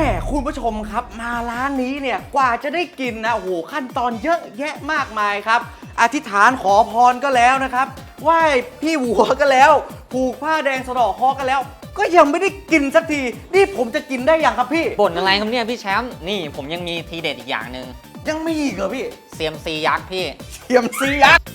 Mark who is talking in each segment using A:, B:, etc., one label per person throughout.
A: คุณผู้ชมครับมาร้านนี้เนี่ยกว่าจะได้กินนะโอ้โหขั้นตอนเยอะแยะมากมายครับอธิษฐานขอพรก็แล้วนะครับไหว้พี่หัวก็แล้วผูกผ้าแดงสะเดาะเคราะห์ก็แล้วก็ยังไม่ได้กินสักทีนี่ผมจะกินได้ยังครับพี่
B: บ่นอะไรครับเนี่ยพี่แชมป์นี่ผมยังมีทีเด็ดอีกอย่างหนึ่ง
A: ยังมีอีกเหรอพี่
B: เซียมซียักษ์พี่
A: เซียมซียักษ์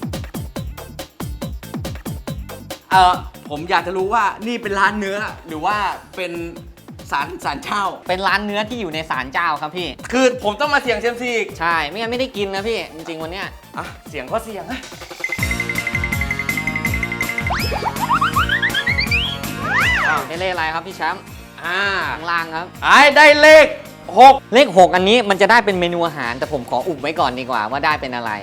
A: ผมอยากจะรู้ว่านี่เป็นร้านเนื้อหรือว่าเป็นศาลเจ้า
B: เป็นร้านเนื้อที่อยู่ในศาลเจ้าครับพี่
A: คือผมต้องมาเสี่ยงเซียมซีอีก
B: ใช่ไม่งั้นไม่ได้กินนะพี่จริงๆวันเนี้ย
A: เสี่ยงก็เสี่ยงนะ
B: ได้เลขอะไรครับพี่แชมป์ข้างล่างครับ
A: ได้เลข6
B: เลข6อันนี้มันจะได้เป็นเมนูอาหารแต่ผมขออุบไว้ก่อนดีกว่าว่าได้เป็นอะไร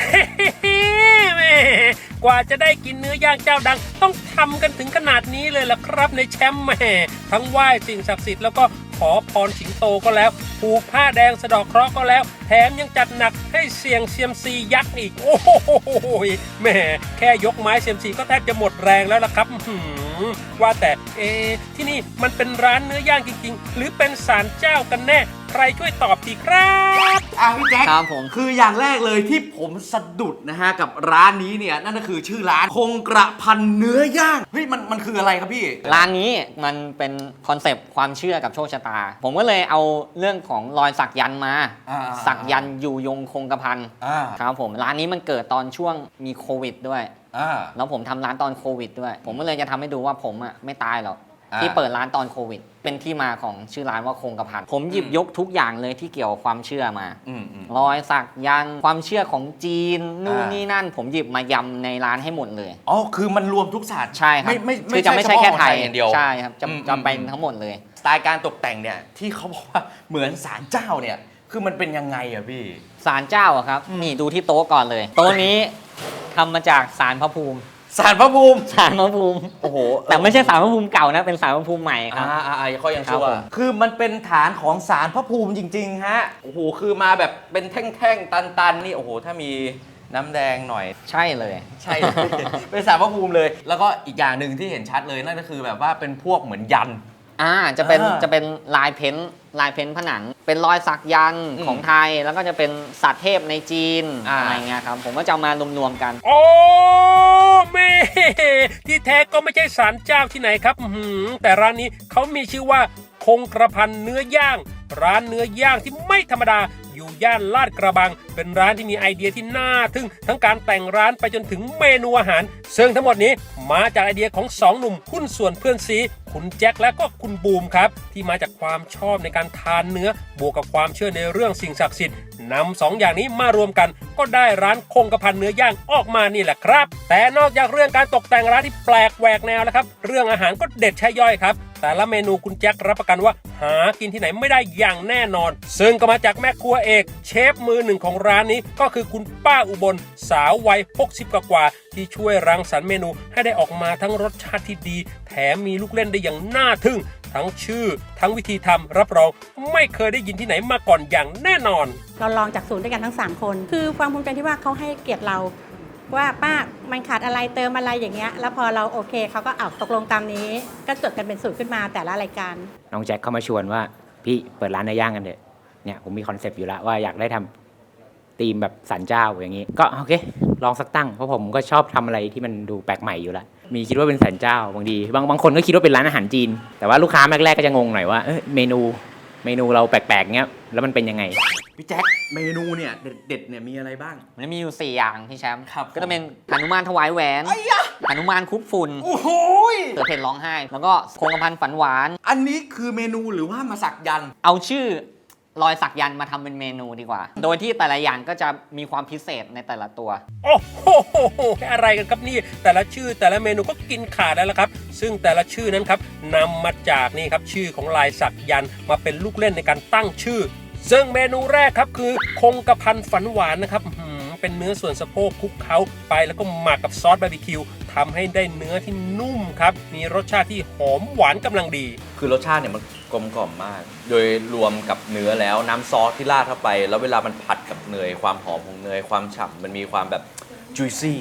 C: กว่าจะได้กินเนื้อย่างเจ้าดังต้องทำกันถึงขนาดนี้เลยล่ะครับในแชมป์แม่ทั้งไหว้สิ่งศักดิ์สิทธิ์แล้วก็ขอพรสิงโตก็แล้วผูกผ้าแดงสะเดาะเคราะห์ก็แล้วแถมยังจัดหนักให้เสี่ยงเซียมซียักษ์อีกโอ้โหแม่แค่ยกไม้เซียมซีก็แทบจะหมดแรงแล้วล่ะครับว่าแต่ที่นี่มันเป็นร้านเนื้อย่างจริงๆหรือเป็นศาลเจ้ากันแน่ใครช่วยตอบทีครับ
A: พี่แจ๊ค
B: ครับผม
A: คืออย่างแรกเลยที่ผมสะดุดนะฮะกับร้านนี้เนี่ยนั่นก็คือชื่อร้านคงกระพันเนื้อย่างเฮ้ยมันคืออะไรครับพี่
B: ร้านนี้มันเป็นคอนเซปต์ความเชื่อกับโชคชะตาผมก็เลยเอาเรื่องของรอยสักยันต์มาสักยันต์อยู่ยงคงกระพันครับผมร้านนี้มันเกิดตอนช่วงมีโควิดด้วยแล้วผมทำร้านตอนโควิดด้วยผมก็เลยจะทำให้ดูว่าผมไม่ตายหรอกที่เปิดร้านตอนโควิดเป็นที่มาของชื่อร้านว่าคงกระพันผมหยิบยกทุกอย่างเลยที่เกี่ยวกับความเชื่อมารอยสักยันต์ความเชื่อของจีนนู่นนี่นั่นผมหยิบมายำในร้านให้หมดเลย
A: อ๋อคือมันรวมทุกศาสตร์
B: ใช่ครับ
A: ไม่
B: จะไม่ใช่แค่ไทย
A: อย่างเดียว
B: ใช่ครับจะเป็นทั้งหมดเลย
A: สไตล์การตกแต่งเนี่ยที่เขาบอกว่าเหมือนศาลเจ้าเนี่ยคือมันเป็นยังไงอะพี่
B: ศาลเจ้าอะครับนี่ดูที่โต๊ะก่อนเลยโต๊ะนี้ทำมาจากศาลพระภูมิ
A: ศาลพระภูมิโอ้โห
B: แต่ไม่ใช่ศาลพระภูมิเก่านะเป็นศาลพระภูมิใหม่ครับ
A: เขายังชั่วคือมันเป็นฐานของศาลพระภูมิจริงๆฮะโอ้โหคือมาแบบเป็นแท่งๆตันๆนี่โอ้โหถ้ามีน้ำแดงหน่อย
B: ใช่เลย
A: เป็นศาลพระภูมิเลยแล้วก็อีกอย่างหนึ่งที่เห็นชัดเลยนั่นก็คือแบบว่าเป็นพวกเหมือนยัน
B: จะเป็นลายเพ้นผนังเป็นรอยสักยันต์ของไทยแล้วก็จะเป็นสัตว์เทพในจีนอะไรเงี้ยครับผมก็จะมารวมๆกัน
C: โอ้แม่ที่แท้ก็ไม่ใช่ศาลเจ้าที่ไหนครับแต่ร้านนี้เขามีชื่อว่าคงกระพันเนื้อย่างร้านเนื้อย่างที่ไม่ธรรมดาอยู่ย่านลาดกระบังเป็นร้านที่มีไอเดียที่น่าทึ่งทั้งการแต่งร้านไปจนถึงเมนูอาหารซึ่งทั้งหมดนี้มาจากไอเดียของ2หนุ่มหุ้นส่วนเพื่อนซีคุณแจ็คและก็คุณบูมครับที่มาจากความชอบในการทานเนื้อบวกกับความเชื่อในเรื่องสิ่งศักดิ์สิทธิ์นำ2อย่างนี้มารวมกันก็ได้ร้านคงกระพันเนื้อย่างออกมานี่แหละครับแต่นอกจากเรื่องการตกแต่งร้านที่แปลกแหวกแนวแล้วครับเรื่องอาหารก็เด็ดใช่ย่อยครับแต่ละเมนูคุณแจ็ครับประกันว่าหากินที่ไหนไม่ได้อย่างแน่นอนซึ่งก็มาจากแม่ครัวเอกเชฟมือหนึ่งของร้านนี้ก็คือคุณป้าอุบลสาววัย60กว่าที่ช่วยรังสรรค์เมนูให้ได้ออกมาทั้งรสชาติที่ดีแถมมีลูกเล่นได้อย่างน่าทึ่งทั้งชื่อทั้งวิธีทำรับรองไม่เคยได้ยินที่ไหนมาก่อนอย่างแน่นอน
D: เราลองจากศูนย์ด้วยกันทั้ง3คนคือความภูมิใจที่ว่าเขาให้เกียรติเราว่าป้ามันขาดอะไรเติมอะไรอย่างเงี้ยแล้วพอเราโอเคเขาก็เอาตกลงตามนี้ก็จดกันเป็นสูตรขึ้นมาแต่ละรายการ
E: น้องแจ็คเข้ามาชวนว่าพี่เปิดร้านเนื้อย่างกันเถอะเนี่ยผมมีคอนเซปต์อยู่แล้วว่าอยากได้ทำธีมแบบศาลเจ้าอย่างนี้ก็โอเคลองสักตั้งเพราะผมก็ชอบทำอะไรที่มันดูแปลกใหม่อยู่แล้วมีคิดว่าเป็นศาลเจ้าบางคนก็คิดว่าเป็นร้านอาหารจีนแต่ว่าลูกค้าแรกๆก็จะงงหน่อยว่าเมนูเราแปลกๆเงี้ยแล้วมันเป็นยังไง
A: พี่แจ็คเมนูเนี่ยเด็ดเนี่ยมีอะไรบ้าง
B: มันมีอยู่4อย่างพี่แชมป์ก็จะเป็นหนุมานถวายแหวนหนุมานคุกฝุ่น
A: โอ้โห
B: เสือเพ่นร้องไห้แล้วก็คงกระพันฝันหวาน
A: อันนี้คือเมนูหรือว่ามาสักยัน
B: เอาชื่อรอยสักยันต์มาทำเป็นเมนูดีกว่าโดยที่แต่ละอย่างก็จะมีความพิเศษในแต่ละตัว
C: โอ้โหอะไรกันครับนี่แต่ละชื่อแต่ละเมนูก็กินขาดแล้วละครับซึ่งแต่ละชื่อนั้นครับนำมาจากนี่ครับชื่อของลายสักยันต์มาเป็นลูกเล่นในการตั้งชื่อซึ่งเมนูแรกครับคือคงกระพันฝันหวานนะครับเป็นเนื้อส่วนสะโพกคลุกเคล้าไปแล้วก็หมักกับซอสบาร์บีคิวทำให้ได้เนื้อที่นุ่มครับมีรสชาติที่หอมหวานกำลังดี
A: คือรสชาติเนี่ยมันกลมกล่อมมากโดยรวมกับเนื้อแล้วน้ำซอสที่ราดเข้าไปแล้วเวลามันผัดกับเนยความหอมของเนยความฉ่ำมันมีความแบบ juicy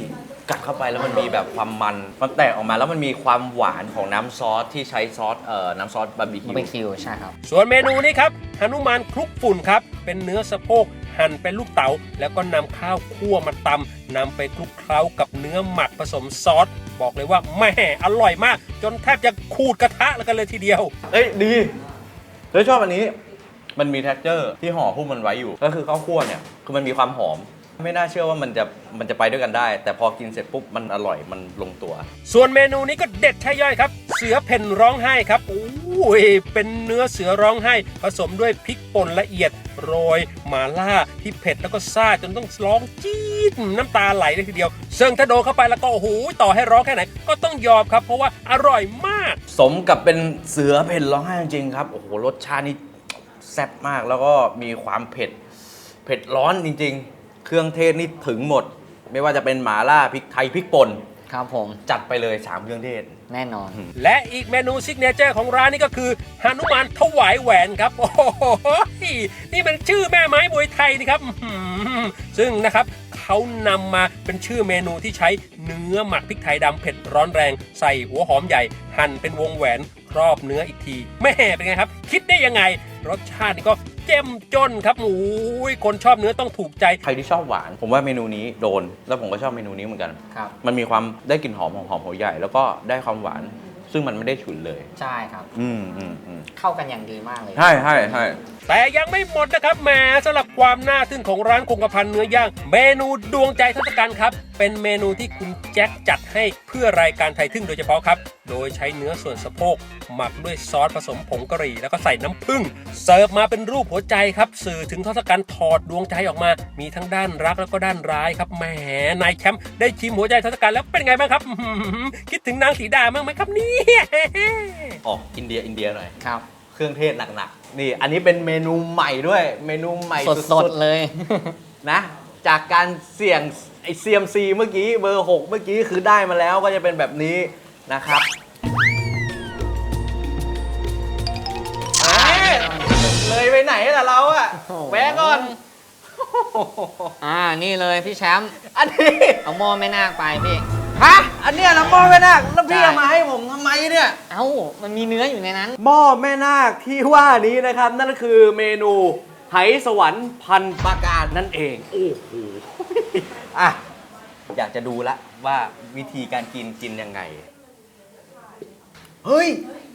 A: กัดเข้าไปแล้วมันมีแบบความมันแตกออกมาแล้วมันมีความหวานของน้ำซอสที่ใช้ซอสน้ำซอสบาร์บี
B: บาร์บี
A: คิ
B: คิ
A: ว
B: วใช่ครับ
C: ส่วนเมนูนี้ครับหนุมานคลุกฝุ่นครับ เป็นเนื้อสะโพกหั่นเป็นลูกเต๋าแล้วก็นำข้าวคั่วมาตำนำไปคลุกเคล้ากับเนื้อหมักผสมซอส บอกเลยว่าแม่อร่อยมาก จนแทบจะขูดกระทะแล้วกันเลยทีเดียว
A: เอ้ยดีแล้วชอบอันนี้มันมี texture ที่ห่อหุ้มมันไว้อยู่ ก็คือข้าวคั่วเนี่ยคือมันมีความหอม ไม่น่าเชื่อว่ามันจะไปด้วยกันได้ แต่พอกินเสร็จปุ๊บมันอร่อยมันลงตัว
C: ส่วนเมนูนี้ก็เด็ดใช่ย่อยครับ เสือเพ่นร้องไห้ครับโอ้ยเป็นเนื้อเสือร้องไห้ ผสมด้วยพริกป่นละเอียดโรยหม่าล่าที่เผ็ดแล้วก็ซ่าจนต้องร้องจี๊ดน้ำตาไหลเลยทีเดียวซึ่งถ้าโดนเข้าไปแล้วก็โอ้โหต่อให้ร้องแค่ไหนก็ต้องยอมครับเพราะว่าอร่อยมาก
A: สมกับเป็นเสือเพ่นร้องไห้จริงๆครับโอ้โหรสชาตินี่แซ่บมากแล้วก็มีความเผ็ดร้อนจริงๆ เครื่องเทศนี่ถึงหมด ไม่ว่าจะเป็นหม่าล่าพริกไทยพริกป่น
B: ครับผม
A: จัดไปเลย3เครื่องเทศ
B: แน่นอน
C: และอีกเมนูซิกเนเจอร์ของร้านนี้ก็คือหนุมานถวายแหวนครับโอ้โหนี่มันชื่อแม่ไม้มวยไทยนี่ครับซึ่งนะครับเขานำมาเป็นชื่อเมนูที่ใช้เนื้อหมักพริกไทยดำเผ็ดร้อนแรงใส่หัวหอมใหญ่หั่นเป็นวงแหวนครอบเนื้ออีกทีแม่เป็นไงครับคิดได้ยังไงรสชาตินี่ก็เจ้มจนครับโอ้ยคนชอบเนื้อต้องถูกใจ
A: ใครที่ชอบหวาน ผมว่าเมนูนี้โดน แล้วผมก็ชอบเมนูนี้เหมือนกัน
B: ครับ
A: มันมีความได้กลิ่นหอมของหอมหัวใหญ่ แล้วก็ได้ความหวาน ซึ่งมันไม่ได้ฉุนเลย
B: ใช่ครับ
A: อืม
B: เข้ากันอย่างดีมากเลย
A: ใช่
C: แต่ยังไม่หมดนะครับแหมสำหรับความน่าทึ่งของร้านคงกระพันเนื้อย่างเมนูดวงใจทศกัณฐ์ครับเป็นเมนูที่คุณแจ็คจัดให้เพื่อรายการไทยทึ่งโดยเฉพาะครับโดยใช้เนื้อส่วนสะโพกหมักด้วยซอสผสมผงกะหรี่แล้วก็ใส่น้ำผึ้งเสิร์ฟมาเป็นรูปหัวใจครับสื่อถึงทศกัณฐ์ถอดดวงใจออกมามีทั้งด้านรักแล้วก็ด้านร้ายครับแหมนายแชมป์ได้ชิมหัวใจทศกัณฐ์แล้วเป็นไงบ้างครับคิดถึงนางสีดาบ้างไหมครับเนี่ย
A: ออกอินเดียหน่อย
B: ครับ
A: เครื่องเทศหนักๆ นี่ อันนี้เป็นเมนูใหม่ด้วย เมนูใหม่
B: สดๆเลย
A: นะ จากการเสี่ยงไอ CMC เมื่อกี้เบอร์ 6 เมื่อกี้คือได้มาแล้วก็จะเป็นแบบนี้นะครับเลยไปไหนล่ะเราอะแวะก่อน
B: นี่เลยพี่แชมป์
A: อันนี้
B: เอาหม้อแม่นาคไปพี่
A: ฮะ อันเนี้ยนะหม้อแม่นาคแล้วพี่
B: ใช่
A: เอามาให้ผมทำไมเนี่ย
B: เอ้ามันมีเนื้ออยู่ในนั้น
A: หม้อแม่นาคที่ว่านี้นะครับ นั่นก็คือเมนูไหสวรรค์พันปราการนั่นเอง โอ้โหอ่ะอยากจะดูละว่าวิธีการกินยังไง เฮ้ย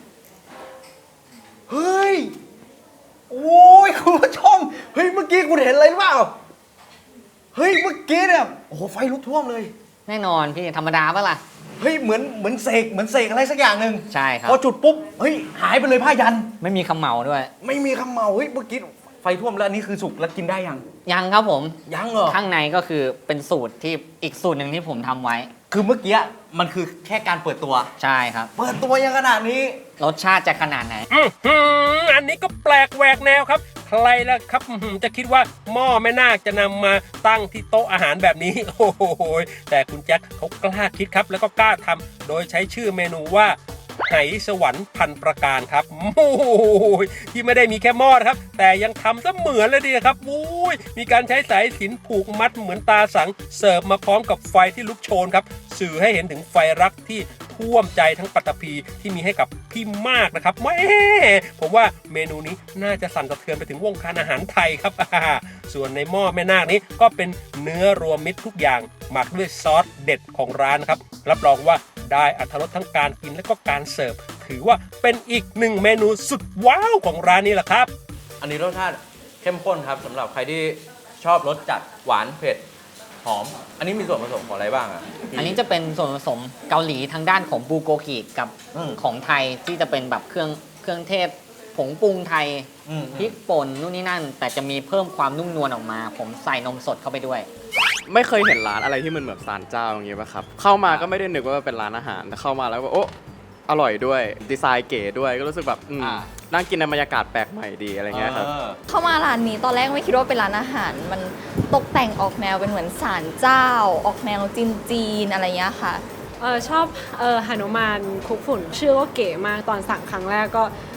A: เฮ้ย โอ้ยคุณผู้ชม เฮ้ย เมื่อกี้คุณเห็นอะไรหรือเปล่า เฮ้ย เมื่อกี้เนี่ย โอ้โห ไฟลุกท่วมเลย
B: แน่นอนพี่ธรรมดาปะล่ะ
A: เฮ้ย เหมือนเสกอะไรสักอย่างหนึ่ง
B: ใช่ครับ
A: พอจุดปุ๊บ เฮ้ย หายไปเลยผ้ายัน
B: ไม่มีคำเหมาด้วย
A: ไม่มีคำเมาเฮ้ย เมื่อกี้ไฟท่วมแล้วอันนี้คือสุกแล้วกินได้ยัง
B: ยังครับผม
A: ยังเหรอ
B: ข้างในก็คือเป็นสูตรที่อีกสูตรหนึ่งที่ผมทำไว้
A: คือเมื่อกี้มันคือแค่การเปิดตัว
B: ใช่ครับ
A: เปิดตัวยังขนาดนี้
B: รสชาติจะขนาดไหน
C: อันนี้ก็แปลกแหวกแนวครับ ใครล่ะครับจะคิดว่าหม้อแม่นาคจะนำมาตั้งที่โต๊ะอาหารแบบนี้ โอ้โหแต่คุณแจ็คเขากล้าคิดครับ แล้วก็กล้าทำโดยใช้ชื่อเมนูว่าไหสวรรค์พันประการครับโอ้โหที่ไม่ได้มีแค่หม้อนะครับ แต่ยังทำเสมือนเลยดีครับอุ้ยมีการใช้สายสิญจน์ผูกมัดเหมือนตาสังเสิร์ฟมาพร้อมกับไฟที่ลุกโชนครับสื่อให้เห็นถึงไฟรักที่ท่วมใจทั้งปัตตภีที่มีให้กับพี่มากนะครับแม่ผมว่าเมนูนี้น่าจะสั่นสะเทือนไปถึงวงการอาหารไทยครับ ส่วนในหม้อแม่นาคนี้ก็เป็นเนื้อรวมมิตรทุกอย่างหมักด้วยซอสเด็ดของร้านครับรับรองว่าได้อรรถรสทั้งการกินและก็การเสิร์ฟถือว่าเป็นอีกหนึ่งเมนูสุดว้าวของร้านนี้แหละครับ
A: อันนี้รสชาติเข้มข้นครับสำหรับใครที่ชอบรสจัดหวานเผ็ดหอม อันนี้มีส่วนผสมของอะไรบ้างอ่ะ
B: อันนี้จะเป็นส่วนผสมเกาหลีทางด้านของบูโกกิกับ
A: อืม
B: ของไทยที่จะเป็นแบบเครื่องเทศผงปรุงไทย พริกป่นนู่นนี่นั่น แต่จะมีเพิ่มความนุ่มนวลออกมา ผมใส่นมสดเข้าไปด้วย
F: ไม่เคยเห็นร้านอะไรที่มันแบบศาลเจ้าอย่างเงี้ยป่ะครับ เข้ามาก็ไม่ได้นึกว่าเป็นร้านอาหาร แต่เข้ามาแล้วก็โอ้อร่อยด้วย ดีไซน์เก๋ด้วย ก็รู้สึกแบบนั่งกินในบรรยากาศแปลกใหม่ดีอะไรเงี้ยครับ
G: เข้ามาร้านนี้ตอนแรกไม่คิดว่าเป็นร้านอาหาร มันตกแต่งออกแนวเป็นเหมือนศาลเจ้า ออกแนวจีนๆอะไรเงี้ยค่ะ
H: ชอบหนุมานคลุกฝุ่นชื่อว่าเก๋มากตอนสั่งครั้งแรกก็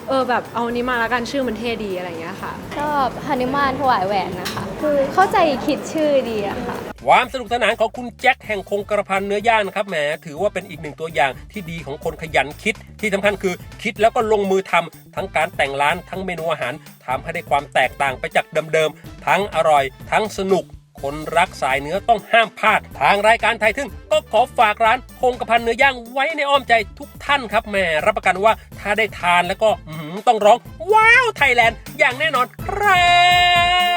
H: แบบเอานี้มาแล้วกันชื่อมันเท่ดีอะไรอย่างเงี้ยค่ะ
I: ชอบหนุมานถวายแหวนนะคะ คือเข้าใจคิดชื่อดีอะค่ะ
C: ความสนุกสนานของคุณแจ็คแห่งคงกระพันเนื้อย่างนะครับแหมถือว่าเป็นอีกหนึ่งตัวอย่างที่ดีของคนขยันคิดที่สำคัญคือคิดแล้วก็ลงมือทำทั้งการแต่งร้านทั้งเมนูอาหารทำให้ได้ความแตกต่างไปจากเดิมๆทั้งอร่อยทั้งสนุกคนรักสายเนื้อต้องห้ามพลาดทางรายการไทยทึ่งก็ขอฝากร้านคงกระพันเนื้อย่างไว้ในอ้อมใจทุกท่านครับแหมรับประกันว่าถ้าได้ทานแล้วก็ต้องร้องว้าวไทยแลนด์อย่างแน่นอนครับ